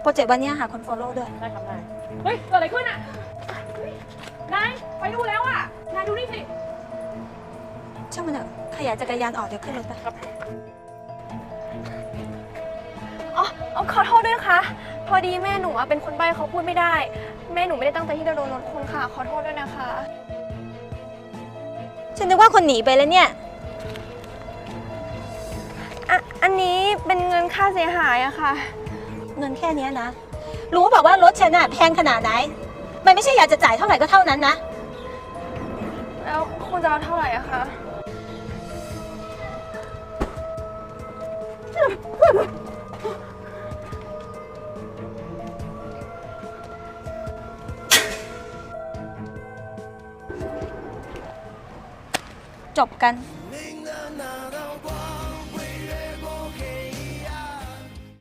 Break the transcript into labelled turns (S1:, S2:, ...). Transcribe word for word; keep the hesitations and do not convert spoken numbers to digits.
S1: โปรเจกต์วันนี้หาคน follow ด้วย
S2: ได้ครับได้เฮ้ยเกิดอะไรขึ้นอ่ะนายไปดูแล้วอ่ะนายดูนี่สิ
S1: ช่างมันเถอะขยายจักรยานออกเดี๋ยวขึ้นรถไปครับ
S3: อ๋อขอโทษด้วยนะคะพอดีแม่หนูเป็นคนใบ้เขาพูดไม่ได้แม่หนูไม่ได้ตั้งใจที่จะโดนรถคุณค่ะขอโทษด้วยนะคะ
S1: ฉันนึกว่าคนหนีไปแล้วเนี่ย
S3: อ่ะอันนี้เป็นเงินค่าเสียหายอะค่ะ
S1: เงินแค่นี้นะรู้เปล่าว่ารถฉันน่ะแพงขนาดไหนมันไม่ใช่อยากจะจ่ายเท่าไหร่ก็เท่านั้นนะ
S3: แล้วคุณจะเอาเท่าไหร่อะคะ
S1: จบกัน